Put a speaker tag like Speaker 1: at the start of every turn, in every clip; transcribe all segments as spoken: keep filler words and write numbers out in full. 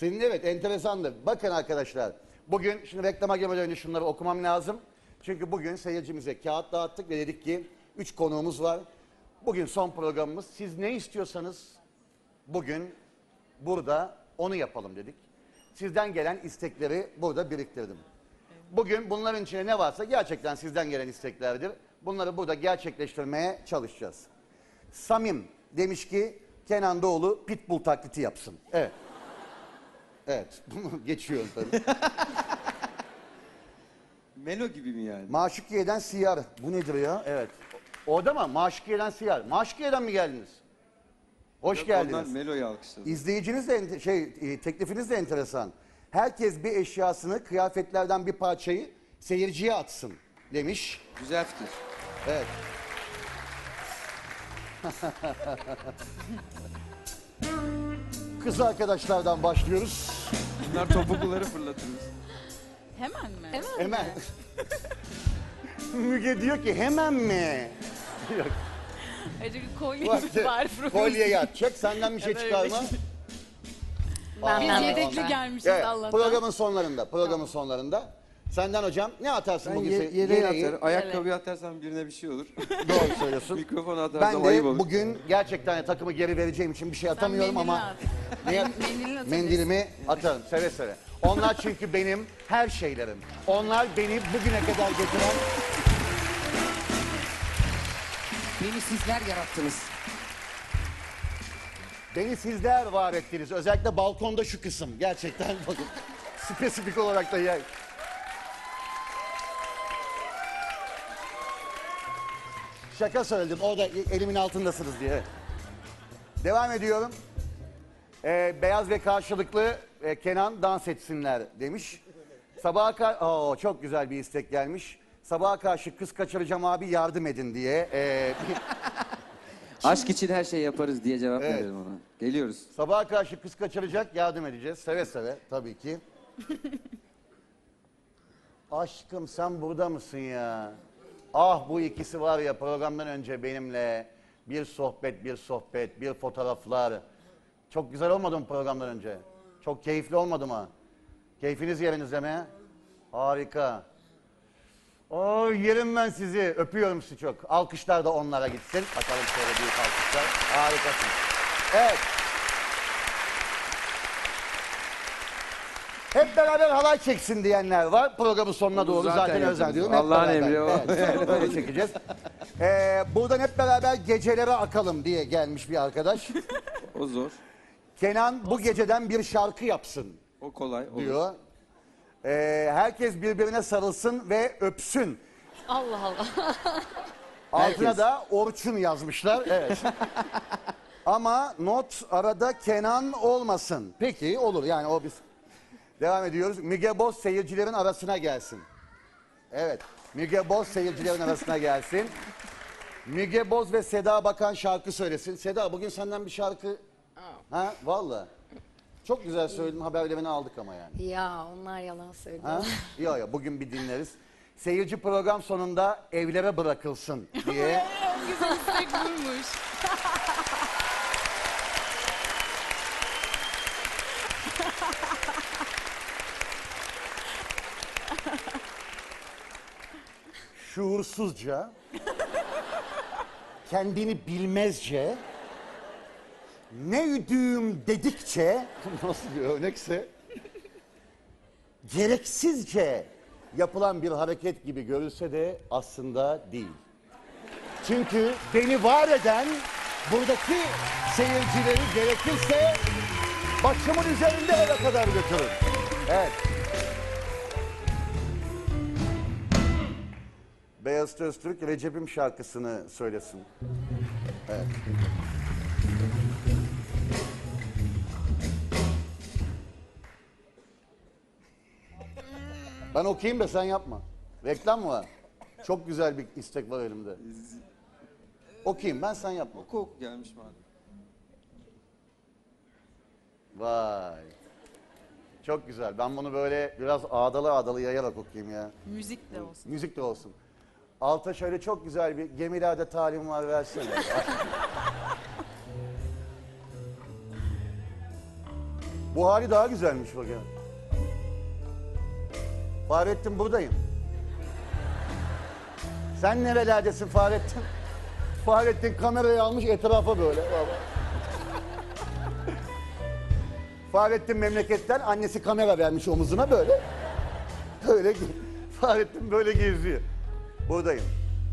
Speaker 1: Senin evet enteresandı. Bakın arkadaşlar. Bugün şimdi reklama girmeden önce şunları okumam lazım. Çünkü bugün seyircimize kağıt dağıttık ve dedik ki üç konuğumuz var. Bugün son programımız. Siz ne istiyorsanız bugün burada onu yapalım dedik. Sizden gelen istekleri burada biriktirdim. Bugün bunların içine ne varsa gerçekten sizden gelen isteklerdir. Bunları burada gerçekleştirmeye çalışacağız. Samim demiş ki Kenan Doğulu pitbull taklidi yapsın. Evet. Evet. Bunu geçiyorum tabii.
Speaker 2: Melo gibi mi yani?
Speaker 1: Maşukiye'den Siyar. Bu nedir ya? Evet. Orada mı? Maşukiye'den Siyar. Maşukiye'den mi geldiniz? Hoş
Speaker 2: Yok,
Speaker 1: geldiniz.
Speaker 2: ondan Melo'yu alkışladım.
Speaker 1: İzleyiciniz de ente- şey e, teklifiniz de enteresan. Herkes bir eşyasını, kıyafetlerden bir parçayı seyirciye atsın demiş.
Speaker 2: Güzel fikir.
Speaker 1: Evet. Kız arkadaşlardan başlıyoruz.
Speaker 2: Bunlar topukluları fırlatırız.
Speaker 3: Hemen mi?
Speaker 4: Hemen.
Speaker 1: Hemen. Müge diyor ki hemen mi? Yok.
Speaker 3: Acık kolye
Speaker 1: Bak,
Speaker 3: var.
Speaker 1: kolyeyi atacak, senden bir şey
Speaker 3: Evet,
Speaker 1: çıkarma.
Speaker 3: öyle.
Speaker 1: Aa,
Speaker 3: Biz
Speaker 4: Ben-
Speaker 3: yedekli
Speaker 4: ben-
Speaker 3: gelmişiz
Speaker 1: Evet,
Speaker 3: Allah'tan.
Speaker 1: programın sonlarında, programın sonlarında. Senden hocam ne atarsın
Speaker 2: Ben
Speaker 1: bugün?
Speaker 2: ye-
Speaker 1: Se-
Speaker 2: yere
Speaker 1: yereği?
Speaker 2: atarım. Ayakkabıyı atarsam birine bir şey olur.
Speaker 1: Doğru söylüyorsun.
Speaker 2: Mikrofon atarsam
Speaker 1: Ben
Speaker 2: ayıp
Speaker 1: de
Speaker 2: olur.
Speaker 1: bugün gerçekten takımı geri vereceğim için bir şey atamıyorum
Speaker 3: mendilini
Speaker 1: ama
Speaker 3: at.
Speaker 1: ne yap-
Speaker 3: Mendilini atabilirsin.
Speaker 1: mendilimi atarım seve seve. Onlar çünkü benim her şeylerim. Onlar beni bugüne kadar getiren...
Speaker 4: Beni sizler yarattınız.
Speaker 1: Beni sizler var ettiniz. Özellikle balkonda şu kısım. Gerçekten bakın. Spesifik olarak da yer. Şaka söyledim. Orada elimin altındasınız diye. Devam ediyorum. Ee, beyaz ve karşılıklı e, Kenan dans etsinler demiş. Sabaha karşı... Oo, çok güzel bir istek gelmiş. Sabaha karşı kız kaçıracağım abi yardım edin diye. Ee,
Speaker 2: Aşk için her şeyi yaparız diye cevap
Speaker 1: Evet.
Speaker 2: verelim ona. Geliyoruz.
Speaker 1: Sabaha karşı kız kaçıracak yardım edeceğiz. Seve seve tabii ki. Aşkım sen burada mısın ya? Ah bu ikisi var ya programdan önce benimle bir sohbet bir sohbet bir fotoğraflar. Çok güzel olmadı mı programdan önce? Çok keyifli olmadı mı? Keyfiniz yerinizde mi? Harika. Oy yerim ben sizi. Öpüyorum sizi çok. Alkışlar da onlara gitsin. Bakalım şöyle büyük alkışlar. Harikasınız. Evet. Hep beraber halay çeksin diyenler var. Programın sonuna doğru
Speaker 2: zaten
Speaker 1: zaten,
Speaker 2: yapıyoruz.
Speaker 1: özel diyorum. Hep
Speaker 2: Allah'ın
Speaker 1: beraber.
Speaker 2: emri o.
Speaker 1: Evet, böyle çekeceğiz. Ee, buradan hep beraber gecelere akalım diye gelmiş bir arkadaş.
Speaker 2: O zor.
Speaker 1: Kenan bu geceden bir şarkı yapsın
Speaker 2: O kolay. Olur.
Speaker 1: diyor. Ee, herkes birbirine sarılsın ve öpsün.
Speaker 4: Allah Allah.
Speaker 1: Altına
Speaker 2: Herkes.
Speaker 1: da Orçun yazmışlar. Evet. Ama not arada Kenan olmasın. Peki olur yani o biz. Devam ediyoruz. Müge Boz seyircilerin arasına gelsin. Evet. Müge Boz seyircilerin arasına gelsin. Müge Boz ve Seda Bakan şarkı söylesin. Seda bugün senden bir şarkı... Ha valla. Çok güzel söyledin, haberlerini aldık ama yani.
Speaker 4: Ya onlar yalan söylüyor.
Speaker 1: Ha? Yok yok bugün bir dinleriz. Seyirci program sonunda evlere bırakılsın diye.
Speaker 3: En güzel istek buymuş.
Speaker 1: Şuursuzca, kendini bilmezce, ne üdüğüm dedikçe, nasıl bir örnekse, gereksizce yapılan bir hareket gibi görülse de aslında değil. Çünkü beni var eden buradaki seyircileri gerekirse başımın üzerinde eve kadar götürün. Evet. Beyaz Öztürk Recep'im şarkısını söylesin. Evet. Ben okuyayım da sen yapma. Reklam mı var? Çok güzel bir istek var elimde. Okuyayım ben sen yapma.
Speaker 2: Oku oku gelmiş madem.
Speaker 1: Vay. Çok güzel. Ben bunu böyle biraz ağdalı ağdalı yayarak okuyayım ya.
Speaker 3: Müzik de olsun.
Speaker 1: Müzik de olsun. Alta şöyle çok güzel bir gemilerde talim var versene. Bu hali daha güzelmiş bak ya. Fahrettin buradayım. Sen nerelerdesin Fahrettin? Fahrettin kamerayı almış etrafa böyle. Baba. Fahrettin memleketten annesi kamera vermiş omuzuna böyle. Böyle Fahrettin böyle geziyor. Buradayım.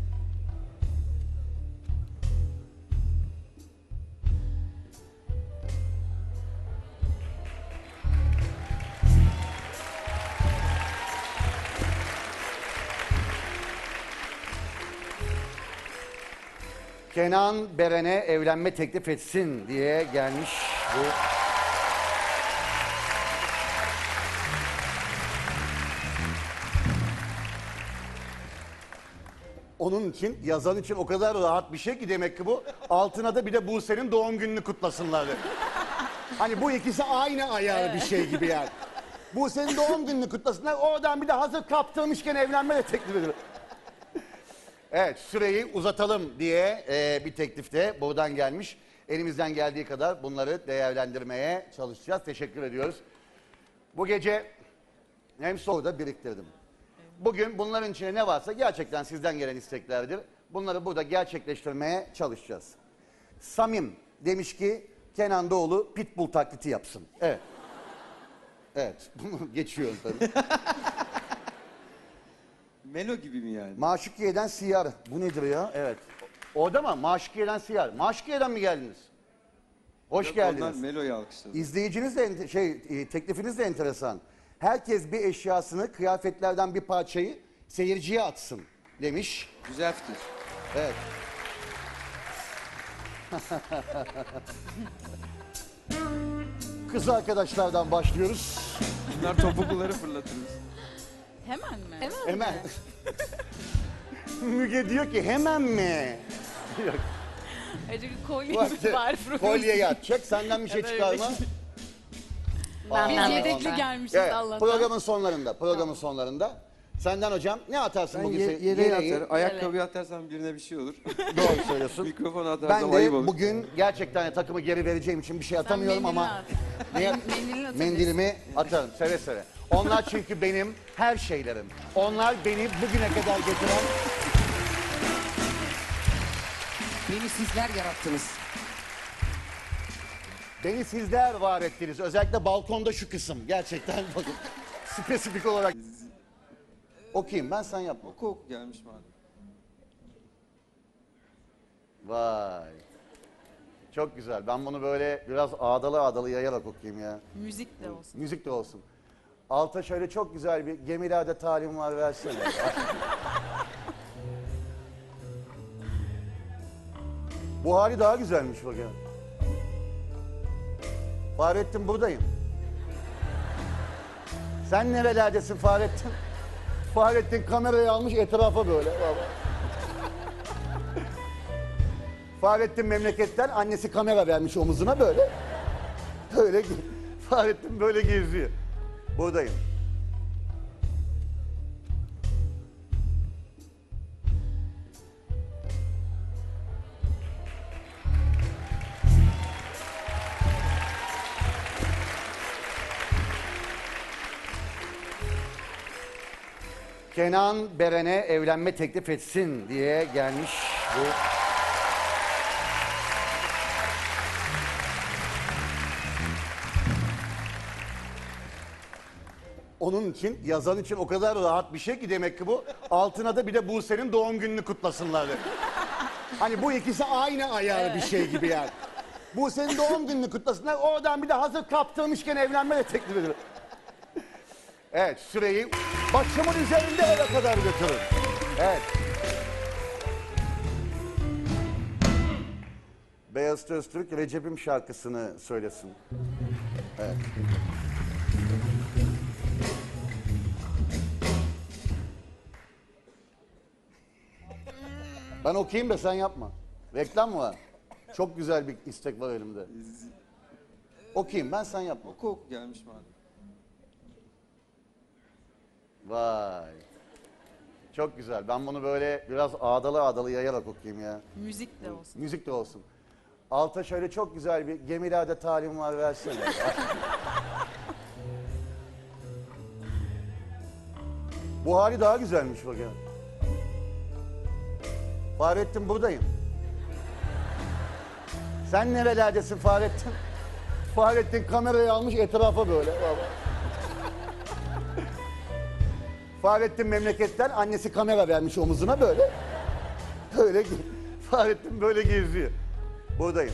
Speaker 1: Kenan Beren'e evlenme teklif etsin diye gelmiş bu. Onun için, yazan için o kadar rahat bir şey ki demek ki bu. Altına da bir de Buse'nin doğum gününü kutlasınlar. Hani bu ikisi aynı ayarı bir şey gibi yani. Buse'nin doğum gününü kutlasınlar. Oradan bir de hazır kaptırmışken evlenme de teklif ediyor. Evet, süreyi uzatalım diye e, bir teklif de buradan gelmiş. Elimizden geldiği kadar bunları değerlendirmeye çalışacağız. Teşekkür ediyoruz. Bu gece hem soru da biriktirdim. Bugün bunların içine ne varsa gerçekten sizden gelen isteklerdir. Bunları burada gerçekleştirmeye çalışacağız. Samim demiş ki Kenan Doğulu pitbull taklidi yapsın. Evet. Evet, bunu geçiyorum tabii.
Speaker 2: Melo gibi mi yani?
Speaker 1: Maşukiye'den Siyar. Bu nedir ya? Evet. Orada mı? Maşukiye'den Siyar. Maşukiye'den mi geldiniz? Hoş
Speaker 2: Yok,
Speaker 1: geldiniz.
Speaker 2: onlar Melo'yu alkışladı.
Speaker 1: İzleyiciniz de ente- şey e, teklifiniz de enteresan. Herkes bir eşyasını, kıyafetlerden bir parçayı seyirciye atsın demiş.
Speaker 2: Güzel fikir.
Speaker 1: Evet. Kız arkadaşlardan başlıyoruz.
Speaker 2: Bunlar topukluları fırlatırız.
Speaker 3: Hemen mi?
Speaker 4: Hemen.
Speaker 1: Hemen. Müge diyor ki hemen mi? Yok.
Speaker 3: Acaba kolye
Speaker 1: Bak,
Speaker 3: var.
Speaker 1: kolyeyi atacak, senden bir şey
Speaker 3: Evet,
Speaker 1: çıkarma.
Speaker 3: evet.
Speaker 1: Aa,
Speaker 3: Biz
Speaker 4: Ben de
Speaker 3: yedekli
Speaker 4: ondan.
Speaker 3: gelmişiz
Speaker 1: Evet,
Speaker 3: Allah'tan.
Speaker 1: programın sonlarında, programın sonlarında. Senden hocam ne atarsın
Speaker 2: Ben
Speaker 1: bugün?
Speaker 2: ye-
Speaker 1: Se-
Speaker 2: yere
Speaker 1: yereği?
Speaker 2: atarım. Ayakkabıyı atarsam birine bir şey olur.
Speaker 1: Doğru söylüyorsun.
Speaker 2: Mikrofonu atarsam
Speaker 1: Ben
Speaker 2: ayıp
Speaker 1: de
Speaker 2: olur.
Speaker 1: bugün gerçekten takımı geri vereceğim için bir şey atamıyorum
Speaker 3: mendilini
Speaker 1: ama
Speaker 3: at.
Speaker 1: ne-
Speaker 3: Mendilini atabilirsin.
Speaker 1: mendilimi atarım seve seve. Onlar çünkü benim her şeylerim. Onlar beni bugüne kadar getiren
Speaker 4: Beni sizler yarattınız.
Speaker 1: beni sizler var ettiniz. Özellikle balkonda şu kısım. Gerçekten bakın spesifik olarak. Okuyayım ben sen yapma.
Speaker 2: Oku oku gelmiş madem.
Speaker 1: Vay. Çok güzel. Ben bunu böyle biraz ağdalı ağdalı yayarak okuyayım ya.
Speaker 3: Müzik de olsun.
Speaker 1: Müzik de olsun. Alta şöyle çok güzel bir gemilerde talim var versene. Bu hali daha güzelmiş bak ya. Fahrettin buradayım. Sen nerelerdesin Fahrettin? Fahrettin kamerayı almış etrafa böyle. Baba. Fahrettin memleketten annesi kamera vermiş omuzuna böyle. Böyle Fahrettin böyle geziyor. Buradayım. Kenan Beren'e evlenme teklif etsin diye gelmiş bu. Onun için, yazan için o kadar rahat bir şey ki demek ki bu. Altına da bir de Buse'nin doğum gününü kutlasınlar. Hani bu ikisi aynı ayarı bir şey gibi yani. Buse'nin doğum gününü kutlasınlar. Oradan bir de hazır kaptırmışken evlenme de teklif ediyor. Evet, süreyi başımın üzerinde eve kadar götürün. Evet. Beyaz Öztürk Recep'im şarkısını söylesin. Evet. Ben okuyayım da sen yapma. Reklam mı var? Çok güzel bir istek var elimde. Okuyayım ben sen yapma.
Speaker 2: Oku oku gelmiş madem.
Speaker 1: Vay. Çok güzel. Ben bunu böyle biraz ağdalı ağdalı yayarak okuyayım ya.
Speaker 3: Müzik de olsun.
Speaker 1: Müzik de olsun. Alta şöyle çok güzel bir gemilerde talim var versene. Bu hali daha güzelmiş bak ya. Fahrettin buradayım. Sen nerelerdesin Fahrettin? Fahrettin kamerayı almış etrafa böyle. Baba. Fahrettin memleketten annesi kamera vermiş omuzuna böyle. Böyle ge- Fahrettin böyle geziyor. Buradayım.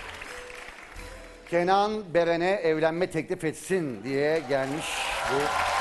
Speaker 1: Kenan Beren'e evlenme teklif etsin diye gelmiş bu